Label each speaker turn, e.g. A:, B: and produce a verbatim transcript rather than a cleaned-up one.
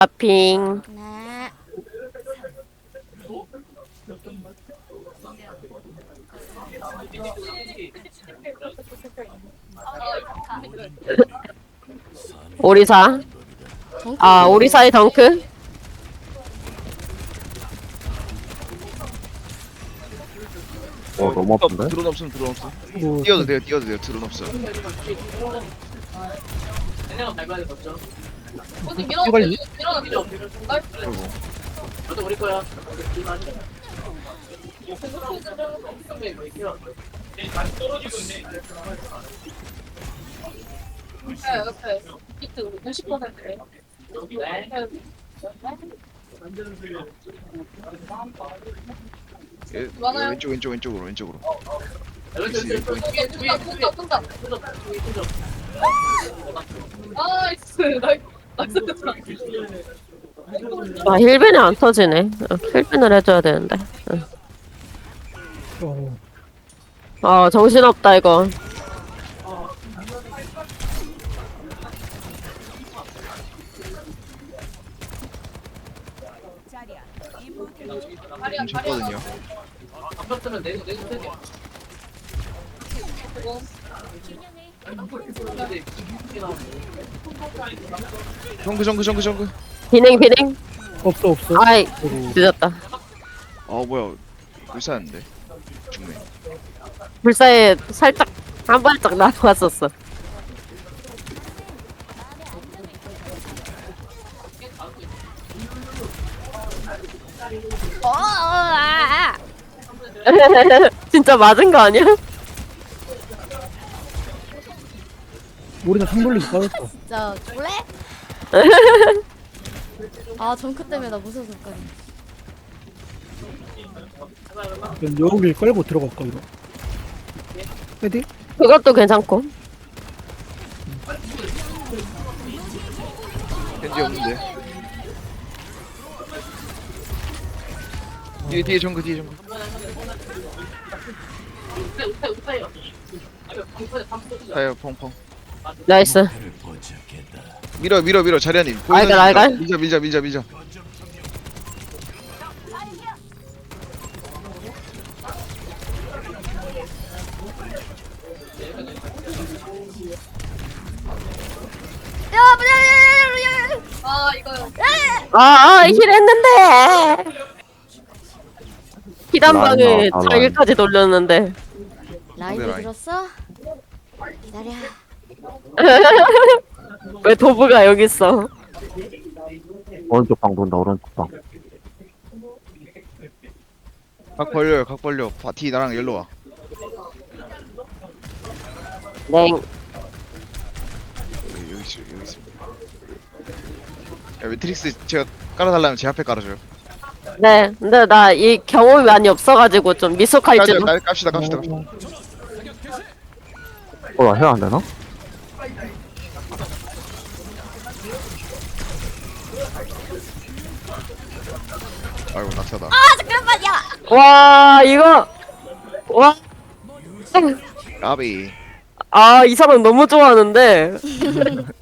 A: 아핑.
B: 네.
A: 오리사.
B: 덩크.
A: 아, 오리사의 덩크.
C: 어 너무 아픈데?
D: 드론 없으면 드론 없어.
E: 뭐,
D: 뛰어도 돼요, 뛰어도 돼요. 드론 없어.
E: 이걸
D: 아이고. 예, 왼쪽 왼쪽 왼쪽으로 왼쪽으로. 그치, 왼쪽, 왼쪽.
A: 아, 힐벤이 안 터지네. 어, 힐벤을 해줘야 되는데. 응.
E: 어,
A: 아, 정신없다, 이거.
D: 좀 쳤거든요. 정크 정크 정크 정크.
A: 비냉, 비냉.
E: 없어 없어.
A: 아이,
E: 아이고.
A: 늦었다.
D: 아 뭐야, 불사는데 죽네.
A: 불사에 살짝, 한 발짝 나왔었어.
B: 어, 어, 아, 아.
A: 진짜 맞은 거 아니야?
E: 우리는 상돌리기 빠졌어.
B: 진짜 그래? 아 정크 때문에 나 무서워서 못 가네.
E: 그럼 여기 끌고 들어갈까 이거? 헤디?
A: 그것도 괜찮고.
D: 겐지 없는데. 뒤에 뒤에 정크 뒤에 정크. 타요 펑펑.
A: 나이스.
D: 밀어 밀어 밀어 자리아님.
A: 알갈, 알갈.
D: 밀자 밀자 밀자 밀자.
B: 야, 뭐야, 아 이거요.
A: 아, 아, 힐 했는데. 기단방에
C: 라인 나왔다, 라인.
A: 자기까지 돌렸는데.
B: 라이브
D: 라인.
B: 들었어? 기다려.
A: 왜 도브가 여기 있어?
C: 오른쪽 방 돈다 오른쪽 방.
D: 각 벌려요 각 벌려. 바티 나랑 열로 와.
A: 네.
D: 여기 여기 있어 여기 있어. 야 매트릭스 제가 깔아달라면 제 앞에 깔아줘요.
A: 네. 근데 나 이 경험이 많이 없어가지고 좀 미숙할지도.
D: 깔- 깝시다 깝시다 깝시다.
C: 어나 해야 안 되나?
D: 아이고 낙사다.
B: 아 잠깐만요.
A: 와, 이거. 와.
D: 까비.
A: 아, 이 사람 너무 좋아하는데.